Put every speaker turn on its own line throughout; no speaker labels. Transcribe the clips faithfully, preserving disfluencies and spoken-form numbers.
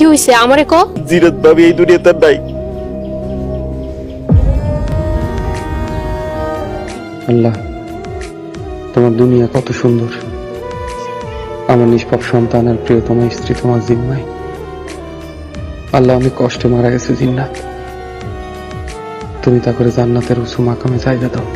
হইছে আমারে কো?
জিরাত ভাবি এই দুনিয়াতে নাই।
আল্লাহ, তোমার দুনিয়া কত সুন্দর। আমার নিষ্পাপ সন্তান আর প্রিয়তমা স্ত্রী তোমার জিম্মায়। আল্লাহ, আমি কষ্টে মারা গেছে জিন্নাত, তুমি তা করে জান্নাতের উঁচু মাকামে জায়গা দাও।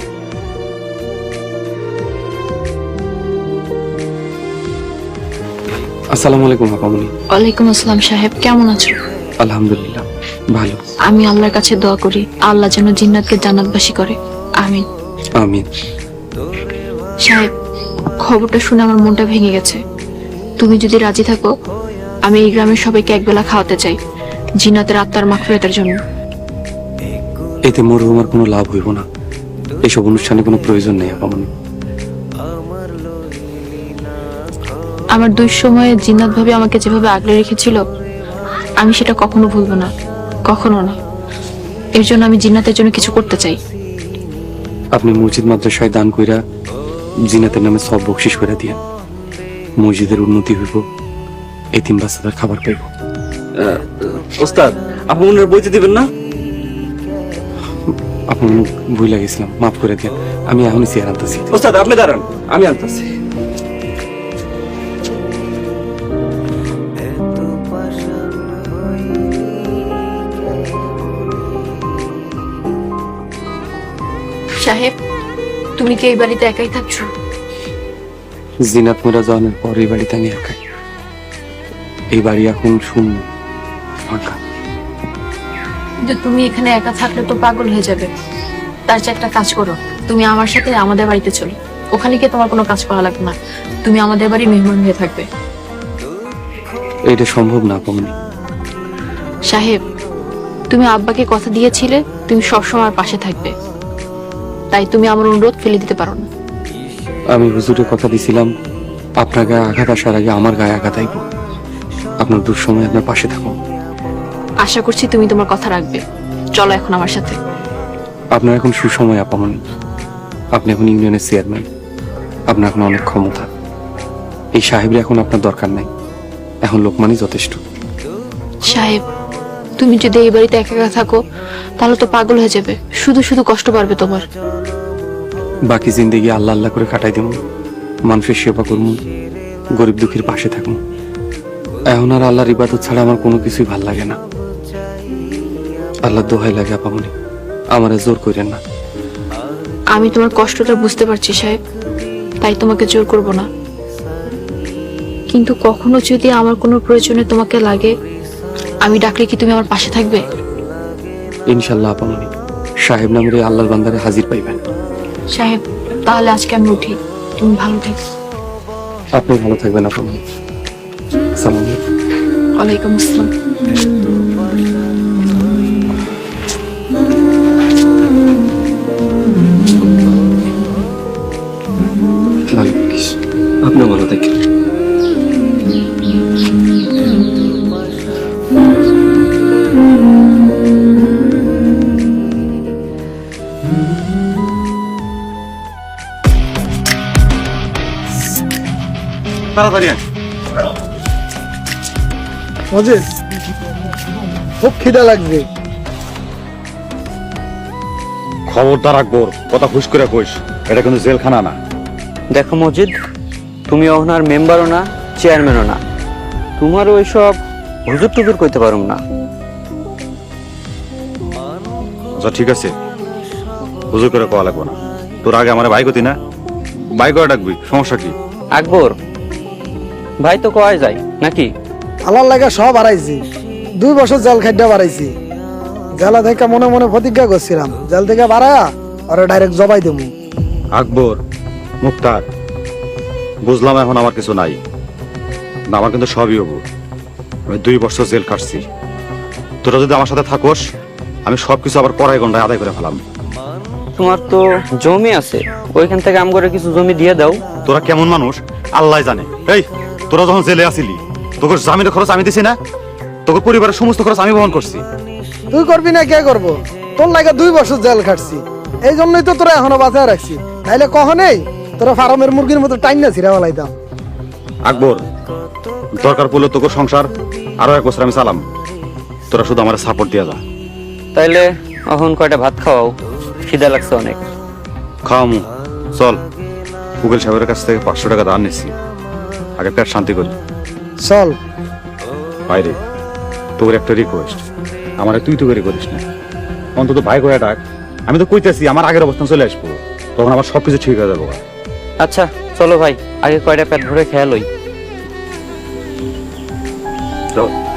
আসসালামু আলাইকুম আপামনি।
ওয়ালাইকুম আসসালাম সাহেব, কেমন আছো?
আলহামদুলিল্লাহ ভালো।
আমি আল্লাহর কাছে দোয়া করি আল্লাহ যেন জিন্নাতকে জান্নাতবাসী করে, আমিন।
আমিন।
সাহেব, খবরটা শুনে আমার মনটা ভেঙে গেছে। তুমি যদি রাজি থাকো, আমি এই গ্রামের সবাইকে একবেলা খাওয়াতে চাই জিন্নাতের আত্মার মাগফিরাতের জন্য।
এতে মরহুমার কোনো লাভ হইব না, এসব অনুষ্ঠানে কোনো প্রয়োজন নেই আপামনি।
আমার দুই সময়ে জিন্নাত ভাবে আমাকে যেভাবে আগলে রেখেছিল, আমি সেটা কখনো ভুলবো না, কখনো না। এর জন্য আমি জিন্নাতের জন্য কিছু করতে চাই।
আপনি মসজিদ মাদ্রাসায় দান কইরা জিনাতের নামে সব বকশিস করে দিয়ে মসজিদের উন্নতি হইব, এতিম বাচ্চাদের খাবার পাইব।
ওস্তাদ, আপনি মনে বইতে দিবেন না?
আপনার ভুল লাগেছিলাম, মাফ করে দেন। আমি এখনই চেয়ার আনতেছি।
ওস্তাদ আপনি দাঁড়ান, আমি আনতেছি।
সাহেব, তুমি কি এই বাড়িতে একাই থাকছো?
জিনাত মোরা জনের পর এই বাড়িতে আমি একাই। এই বাড়ি এখন শূন্য, ফাঁকা।
কিন্তু তুমি এখানে একা থাকলে তো পাগল হয়ে যাবে। তার চেয়ে একটা কাজ করো, তুমি আমার সাথে আমাদের বাড়িতে চলো। ওখানে গিয়ে তোমার কোনো কাজ করা লাগবে না, তুমি আমাদের বাড়ি মেহমান হয়ে থাকবে।
এটা সম্ভব না আপামনি।
সাহেব, তুমি আব্বাকে কথা দিয়েছিলে তুমি সবসময় আমার পাশে থাকবে, তাই তুমি আমার অনুরোধ ফেলে দিতে পারো না।
আমি হুজুরে কথা দিছিলাম, আপনার গায়ে আঘাত আসার আগে আমার গায়ে আঘাত আইব। আপনার দুঃসময় আপনার পাশে থাকুন।
আশা করছি তুমি তোমার কথা রাখবে। চলো এখন আমার সাথে।
আপনার এখন সুসময় আপামনি। আপনি এখন ইউনিয়নের চেয়ারম্যান, আপনার এখন অনেক ক্ষমতা। এই সাহেবের এখন আপনার দরকার নাই, এখন লোকমানই যথেষ্ট।
সাহেব, তুমি যদি এই বাড়িতে একা একা থাকো তাহলে তো পাগল হয়ে যাবে, শুধু শুধু কষ্ট পারবে তোমার।
বাকি জিন্দেগি আল্লাহ আল্লাহ করে কাটাই দেব, মানুষের সেবা করব, গরিব দুঃখীর পাশে থাকবো। এখন আর আল্লাহর ইবাদত ছাড়া আমার কোনো কিছুই ভাল লাগে না। আল্লাহ দোহাই লাগে আপামনি, আমার জোর করেন না।
আমি তোমার কষ্টটা বুঝতে পারছি সাহেব, তাই তোমাকে জোর করব না। কিন্তু কখনো যদি আমার কোনো প্রয়োজনে তোমাকে লাগে, আমি ডাকলে কি তুমি আমার পাশে থাকবে?
ইনশাল্লাহ আপামনি, সাহেব নামের এই আল্লাহর বান্দারে হাজির পাইবেন।
সাহেব, তাহলে আজকে আমি উঠি, তুমি ভালো থেকো।
আপনি ভালো থাকবেন আপামনি। সালাম আলাইকুম।
ওয়ালাইকুম আসসালাম।
ভালো থাকিস। আপনিও ভালো থাকেন।
তাড়াতাড়ি আয়।
মজিদ, খুব খিদা লাগবে।
খবরদার আকবর, কথা খুশ করে কইস, এটা কিন্তু জেলখানা না।
দেখো মজিদ, তুমি ওনার মেম্বারও না, চেয়ারম্যানও না, তোমারও ওইসব হুজুর টুজুর কইতে পারুম না।
আচ্ছা ঠিক আছে, হুজুর করে কওয়া লাগবো না। তোর আগে আমার ভাই গতি না, ভাই করে ডাকবি, সমস্যা কি?
আকবর ভাই তো কয় যায় নাকি?
আল্লাহর লাগা সব হারাইছি, দুই বছর জেল খাদ্য বাড়াইছি। জেলা থেকে মনে মনে প্রতিজ্ঞা করছিলাম, জেল থেকে বাড়ায়া আর ডাইরেক্ট জবাই দেবো।
আকবর, মুক্তার, বুঝলাম এখন আমার কিছু নাই, না আমার কিন্তু সবই হবো। আমি দুই বছর জেল কাটছি, তোরা যদি আমার সাথে থাকোস আমি সবকিছু আবার কড়াই গন্ডায় আদায় করে ফেলাম।
তোমার তো জমি আছে, ওইখান থেকে আম করে কিছু জমি দিয়ে দাও।
তোরা কেমন মানুষ আল্লাহ জানে। এই তোরা যখন জেলে আসিলি তোকে জামিনের খরচ আমি দিছি না, তোকে পরিবারের সমস্ত খরচ আমি বহন করছি।
তুই করবি না কে করবো? তোর লাগে দুই বছর জেল খাটছি, এই জন্যই তো তোরা এখনো বাঁচায় রাখছি। তাইলে কখনেই তোরা ফার্মের মুরগির মতো টাইম না ছিঁড়া ফেলাইতাম।
আকবর, দরকার পড়লে তোকে সংসার আরো এক বছর আমি চালাম, তোরা শুধু আমার সাপোর্ট দিয়া যা।
তাইলে এখন কয়টা ভাত খাওয়াও, খিদা লাগছে অনেক।
খাওয়ামু, চল। উকিল সাহেবের কাছ থেকে পাঁচশো টাকা ধার নিচ্ছি, আগে পেট শান্তি করি।
চল।
বাইরে তোর একটা রিকোয়েস্ট, আমার তুই তো করে করিস না, অন্তত ভাই করে ডাক। আমি তো কইতেছি আমার আগের অবস্থান চলে আসবো, তখন আমার সবকিছু ঠিক হয়ে যাবো।
আচ্ছা চলো ভাই, আগে কয়টা পেট ভরে খেয়ালই।
চল।